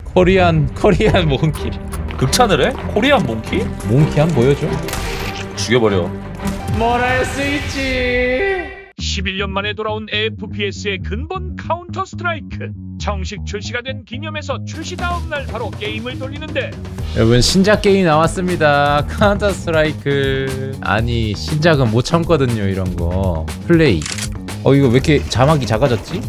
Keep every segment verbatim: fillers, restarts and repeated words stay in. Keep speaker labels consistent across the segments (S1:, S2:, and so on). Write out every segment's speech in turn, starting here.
S1: 코리안 코리안 몽키.
S2: 극찬을 해? 코리안 몽키?
S1: 몽키 한 보여줘.
S2: 죽여버려.
S1: 뭘 할 수 있지.
S3: 십일 년 만에 돌아온 에프피에스의 근본 카운터 스트라이크. 정식 출시가 된 기념에서 출시 다음 날 바로 게임을 돌리는데
S1: 여러분 신작 게임 나왔습니다. 카운터 스트라이크. 아니 신작은 못 참거든요 이런 거. 플레이. 어 이거 왜 이렇게 자막이 작아졌지?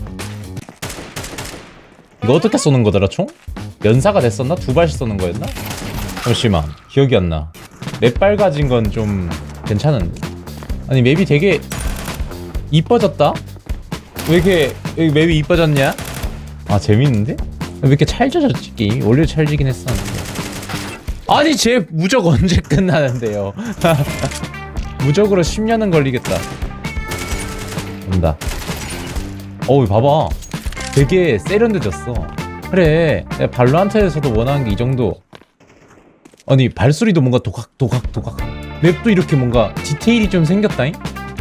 S1: 이거 어떻게 쏘는 거더라 총? 연사가 됐었나? 두 발씩 쏘는 거였나? 잠시만 기억이 안 나. 맵 빨가진 건 좀 괜찮은데? 아니 맵이 되게 이뻐졌다? 왜 이렇게 여기 맵이 이뻐졌냐? 아 재밌는데? 왜 이렇게 찰져졌지 게임이? 원래 찰지긴 했었는데. 아니 쟤 무적 언제 끝나는데요? 무적으로 십 년은 걸리겠다. 온다. 어우 봐봐 되게 세련돼졌어. 그래 내가 발로란트에서도 원하는 게 이 정도. 아니 발소리도 뭔가 도각 도각 도각. 맵도 이렇게 뭔가 디테일이 좀 생겼다잉?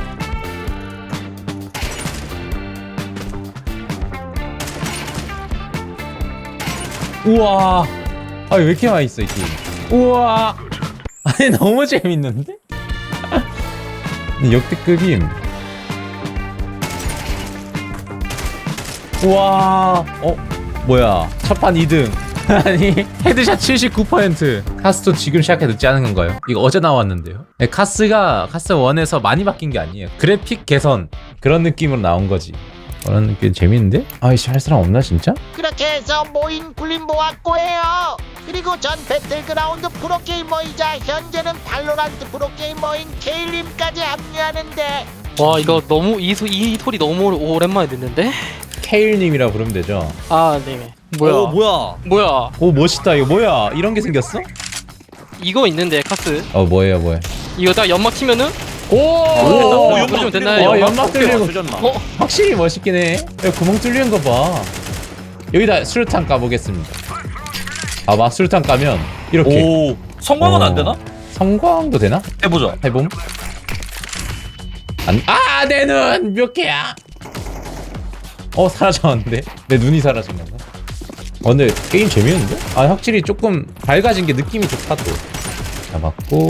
S1: 우와 아니 왜 이렇게 많이 있어 이 게임. 우와 아니 너무 재밌는데? 역대급임. 우와 어? 뭐야 첫판 이 등. 아니 헤드샷 칠십구 퍼센트. 카스도 지금 시작해 늦지 않은 건가요? 이거 어제 나왔는데요. 네, 카스가 카스 원에서 많이 바뀐 게 아니에요. 그래픽 개선 그런 느낌으로 나온 거지. 그런 느낌 재밌는데? 아이씨 할 사람 없나 진짜?
S4: 그렇게 해서 모인 굴림 모았고 해요. 그리고 전 배틀그라운드 프로게이머이자 현재는 발로란트 프로게이머인 케일님까지 합류하는데
S5: 와 이거 너무 이, 소, 이 소리 너무 오랜만에 듣는데?
S1: 케일님이라 부르면 되죠.
S5: 아 네. 뭐야?
S6: 어, 뭐야?
S5: 뭐야?
S1: 오 멋있다 이거 뭐야 이런 게 생겼어?
S5: 이거 있는데 카스.
S1: 어 뭐예요 뭐예요?
S5: 이거 딱 연막 치면은
S1: 오!
S2: 오,
S5: 오,
S2: 연막
S5: 좀 됐나요?
S1: 어 연막 뚫리는 거
S6: 수전마.
S5: 어?
S1: 확실히 멋있긴 해. 야, 구멍 뚫리는 거 봐. 여기다 수류탄 까보겠습니다. 봐봐 수류탄 까면 이렇게.
S2: 오, 성광은
S1: 어.
S2: 안 되나?
S1: 성광도 되나?
S2: 해보자.
S1: 해봄. 안. 아, 내 눈 몇 개야? 어 사라졌는데? 내 눈이 사라진 건가? 어 근데 게임 재밌는데? 아 확실히 조금 밝아진 게 느낌이 좋다 또. 잡았고.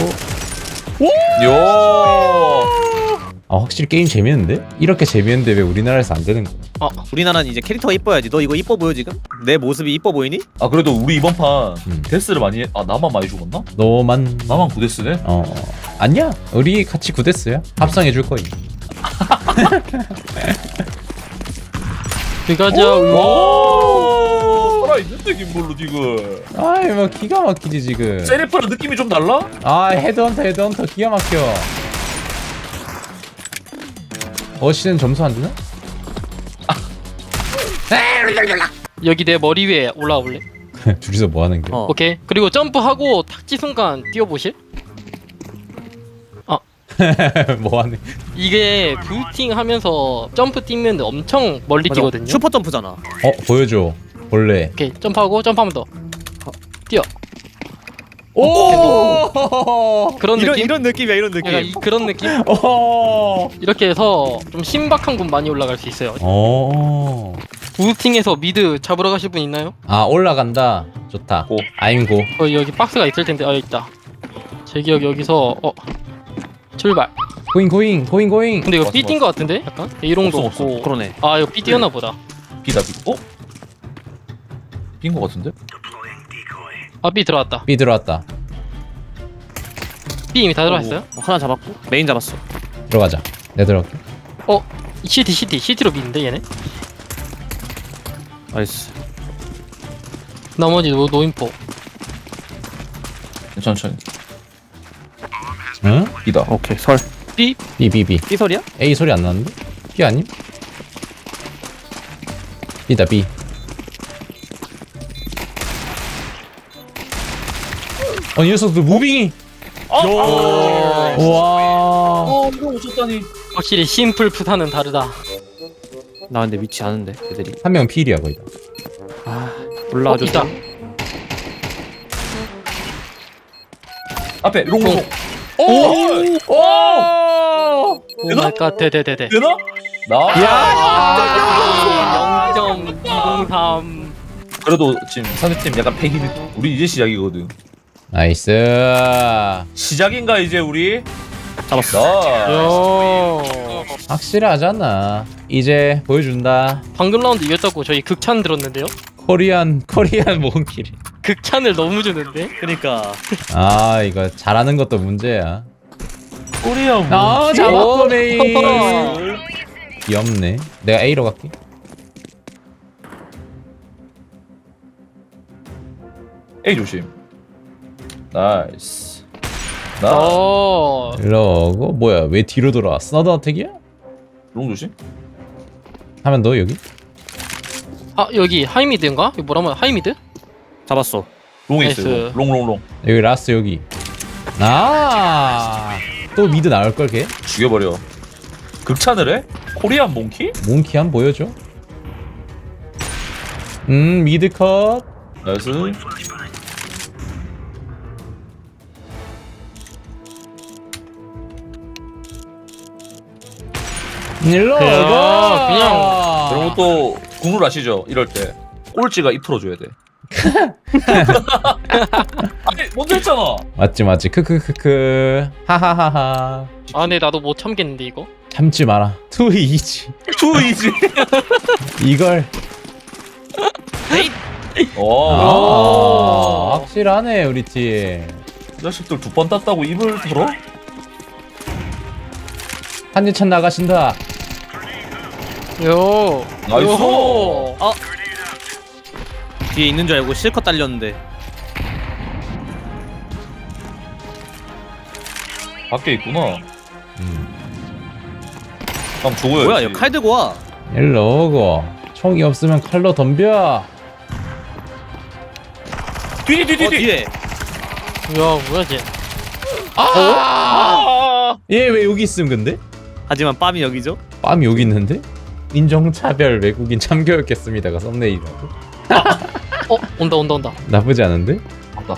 S2: 요.
S1: 아 확실히 게임 재밌는데? 이렇게 재밌는데 왜 우리나라에서 안 되는 거야?
S5: 어?
S6: 우리나라는 이제 캐릭터가 이뻐야지. 너 이거 이뻐 보여 지금? 내 모습이 이뻐 보이니?
S2: 아 그래도 우리 이번 판
S1: 음.
S2: 데스를 많이 해. 아 나만 많이 죽었나?
S1: 너만
S2: 나만 구데스네?
S1: 어 아니야 우리 같이 구데스야 합성해 줄 거임.
S5: 들어가자.
S2: 오, 살아있는데 김볼로 지금.
S1: 아이 뭐 기가 막히지 지금.
S2: 세리프랑 느낌이 좀 달라?
S1: 아 헤드헌터 헤드헌터 기가 막혀. 어시는 점수 안 주나?
S5: 여기 내 머리 위에 올라올래?
S1: 둘이서 뭐 하는 게?
S6: 어.
S5: 오케이. 그리고 점프하고 탁지 순간 뛰어보실?
S1: 뭐 하는?
S5: 이게 부팅 하면서 점프 뛰면 엄청 멀리
S6: 맞아.
S5: 뛰거든요.
S6: 슈퍼 점프잖아.
S1: 어 보여줘. 볼래.
S5: 오케이. 점프하고 점프하면 더. 뛰어.
S1: 오.
S5: 그런
S6: 이런
S5: 느낌?
S6: 이런 느낌이야 이런 느낌.
S5: 약간 이, 그런 느낌?
S1: 오.
S5: 이렇게 해서 좀 신박한 곳 많이 올라갈 수 있어요.
S1: 오.
S5: 부팅해서 미드 잡으러 가실 분 있나요?
S1: 아 올라간다. 좋다.
S2: 고.
S1: 아임 고.
S5: 어 여기 박스가 있을 텐데. 아 여기 있다. 제 기억 여기서 어 출발.
S1: 고잉 고잉 고잉 고잉.
S5: 근데 이거
S2: 왔어,
S5: B 뛴 거 같은데? 약간? A롱도
S2: 없어,
S5: 없고.
S6: 그러네.
S5: 아 이거 B 뛰었나 보다.
S2: 비다 비. 어? 빈 거 같은데?
S5: 아 B 들어왔다.
S1: B 들어왔다.
S5: B 이미 다 들어왔어요?
S6: 어, 하나 잡았고 메인 잡았어.
S1: 들어가자. 내 들어갈게.
S5: 어 CT CT CT로 미는데 얘네?
S6: 나이스.
S5: 나머지 노, 노인포.
S2: 천천히.
S1: 응?
S2: 비다.
S6: 오케이 설.
S5: B?
S1: B B B.
S6: B 설이야?
S1: A 소리 안 나는데? B 아님? B다 B. 어, 이 녀석들 무빙이.
S2: 아,
S1: 우와.
S2: 어, 이거 오셨다니.
S5: 확실히 심플 푸사는 다르다.
S6: 나 근데 위치 아는데 애들이.
S1: 한 명 필이야 거의 다.
S6: 아
S5: 어,
S6: 올라와줘.
S5: 있다.
S2: 앞에 롱롱.
S1: 오! 오!
S5: 오 마이 갓 대대대대.
S2: 되나? 나.
S1: 야!
S5: 아 영 점 이공삼.
S2: 그래도 지금 상대팀 약간 패기 느낌. 우리 이제 시작이거든.
S1: 나이스.
S2: 시작인가 이제 우리?
S6: 잡았어.
S2: 나.
S5: 요.
S1: 확실하잖아. 이제 보여준다.
S5: 방금 라운드 이겼다고 저희 극찬 들었는데요?
S1: 코리안 코리안 몽키리.
S5: 극찬을 너무 주는데?
S6: 그니까.
S1: 아 이거 잘하는 것도 문제야.
S2: 코리아 뭐?
S1: 아 잡았고
S5: 오.
S1: 메인. 귀엽네. 내가 A로 갈게.
S2: 에이 조심. 나이스. 나.
S5: 어.
S1: 이러고 뭐야 왜 뒤로 돌아? 스나드 어택이야?
S2: 롱 조심.
S1: 하면 너 여기?
S5: 아 여기 하이미드인가? 이거 뭐라면 하이미드?
S6: 잡았어.
S2: 롱에
S5: 나이스.
S2: 있어요. 롱롱롱.
S1: 여기 라스트 여기. 아. 또 미드 나올 걸 걔?
S2: 죽여버려. 극찬을 해? 코리안 몽키?
S1: 몽키 한 번 보여줘. 음 미드 컷.
S2: 나이스.
S1: 일로
S5: 그냥,
S1: 와.
S5: 그냥.
S2: 그런 것도 국룰 아시죠? 이럴 때 꼴찌가 입 털어줘야 돼. 아니 먼저 했잖아.
S1: 맞지 맞지 크크크크 하하하하.
S5: 아 근데 나도 못 참겠는데 이거?
S1: 참지 마라. 투 이지.
S2: 투이지.
S1: 이걸.
S2: 어.
S1: 아, 확실하네 우리 팀.
S2: 이 자식들 두 번 땄다고 입을 털어?
S1: 한지찬 나가신다.
S5: 요.
S2: 나이스.
S5: 요호.
S6: 아. 뒤에 있는 줄 알고 실컷 달렸는데.
S2: 밖에 있구나.
S1: 음.
S2: 그럼 죽어야지.
S6: 뭐야, 얘 칼 들고 와.
S1: 일로 오고. 총이 없으면 칼로 덤벼.
S2: 뒤뒤 뒤뒤
S6: 어, 뒤에.
S5: 야 뭐야 쟤?
S2: 아.
S1: 얘 왜 여기 있음 근데?
S6: 하지만 빰이 여기죠?
S1: 빰이 여기 있는데? 인종차별 외국인 참교육했습니다가 썸네일이라고?
S5: 어 온다 온다 온다.
S1: 나쁘지 않은데?
S2: 맞다.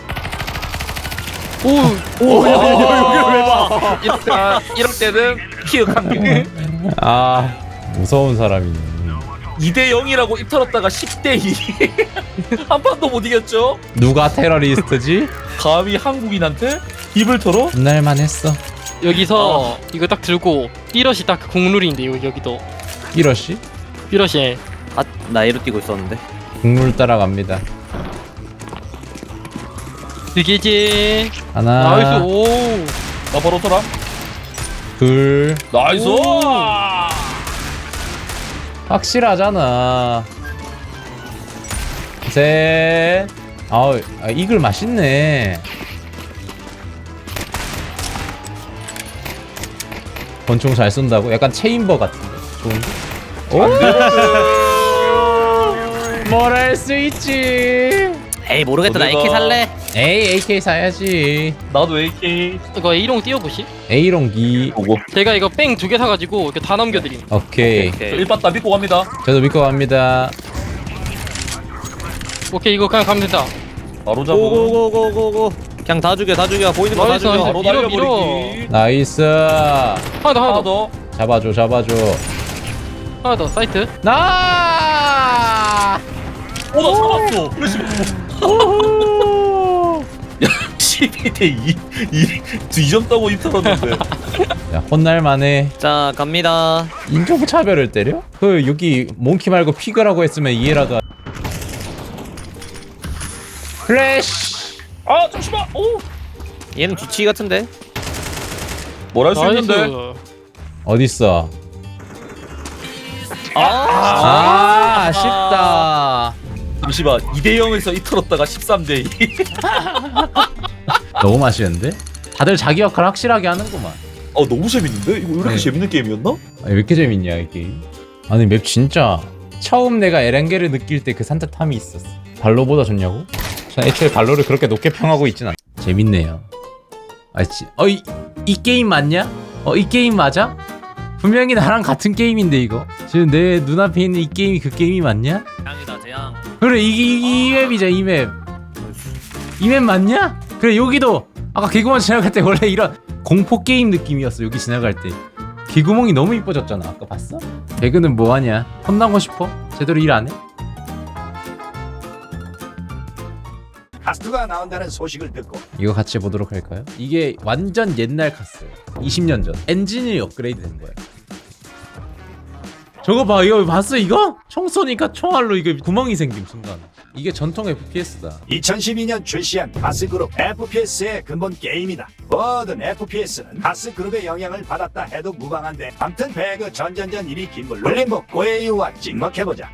S5: 오.
S6: 오, 야, 야, 여기를 왜 봐?
S2: 이럴, 이럴 때는 키읔 한 개.
S1: 아 무서운 사람이네.
S2: 이 대 영이라고 입 털었다가 십 대 이. 한 판도 못 이겼죠?
S1: 누가 테러리스트지?
S2: 감히 한국인한테 입을 털어?
S1: 분날만 했어.
S5: 여기서 이거 딱 들고 삐럿이 딱 국룰인데 요 여기도
S1: 이러시?
S5: 삐럿이
S6: 아, 나 A로 뛰고 있었는데.
S1: 국물 따라갑니다.
S5: 되게지.
S1: 하나,
S5: 나이스 오.
S2: 나 바로 털어.
S1: 둘,
S2: 나이스.
S5: 오.
S1: 확실하잖아. 셋. 아우, 아, 이글 맛있네. 권총 잘 쏜다고? 약간 체인버 같은데. 좋은데? 오! 뭘 할 수 있지?
S6: 에이, 모르겠다. 나
S2: 어디가?
S6: 에이케이 살래.
S1: 에이, 에이케이 사야지.
S2: 나도 에이케이.
S5: 이거 A롱 띄워보시.
S1: A롱기.
S2: 보고.
S5: 제가 이거 뺑 두 개 사가지고 이렇게 다 남겨드림.
S1: 오케이.
S2: 저 일봤다 믿고 갑니다.
S1: 저도 믿고 갑니다.
S5: 오케이 이거 그냥 가면 된다.
S2: 바로 잡고.
S6: 고고고고고고. 그냥 다 죽여, 다 죽여. 보이는 거 다
S5: 나이스,
S6: 죽여.
S5: 나이스.
S2: 바로
S5: 밀어,
S2: 날려버리기.
S1: 나이스.
S5: 하나 더 하나
S2: 하나
S5: 더
S2: 더.
S1: 잡아줘, 잡아줘.
S5: 하나 더 사이트.
S1: 나!
S2: 오, 나 잡았어. 야, 십이 대 이. 이 점 따고 입 털었는데.
S1: 야, 혼날만해.
S6: 자, 갑니다.
S1: 인종차별을 때려? 그 여기 몽키 말고 피그라고 했으면 이해라도. 하- 플래시.
S2: 아, 잠시만. 오.
S6: 얘는 뒤치기 같은데.
S2: 뭘 할 수 있는데?
S5: 나이스.
S1: 어딨어?
S6: 아,
S1: 아, 아쉽다.
S2: 잠시만. 이 대 영에서 입 털었다가 십삼 대 이.
S1: 너무 맛있는데? 다들 자기 역할 확실하게 하는구만.
S2: 어, 너무 재밌는데? 이거 왜 이렇게
S1: 네.
S2: 재밌는 게임이었나?
S1: 아니, 왜 이렇게 재밌냐 이 게임? 아니 맵 진짜 처음 내가 에렌게를 느낄 때 그 산뜻함이 있었어. 발로보다 좋냐고? 전 애초에 발로를 그렇게 높게 평하고 있진 않아. 재밌네요. 아, 지, 어, 이, 이 게임 맞냐? 어, 이 게임 맞아? 분명히 나랑 같은 게임인데 이거. 지금 내 눈앞에 있는 이 게임이 그 게임이 맞냐?
S6: 재앙이다, 재앙.
S1: 그래 이, 이, 이 맵이자 이 맵. 이 맵 맞냐? 그래 여기도 아까 개구멍 지나갈 때 원래 이런 공포 게임 느낌이었어. 여기 지나갈 때 개구멍이 너무 이뻐졌잖아. 아까 봤어? 배그는 뭐하냐? 혼나고 싶어? 제대로 일 안 해?
S7: 카스트가 나온다는 소식을 듣고
S1: 이거 같이 보도록 할까요? 이게 완전 옛날 카스 이십 년 전 엔진이 업그레이드 된 거야. 저거 봐, 이거 봤어 이거? 총 쏘니까 총알로 이거 구멍이 생김 순간. 이게 전통 에프피에스다.
S7: 이천십이 년 출시한 가스그룹 에프피에스의 근본 게임이다. 모든 에프피에스는 가스그룹의 영향을 받았다 해도 무방한데, 암튼 배그 전전전 일이 긴 걸로 림보 고에이와 찍먹해보자.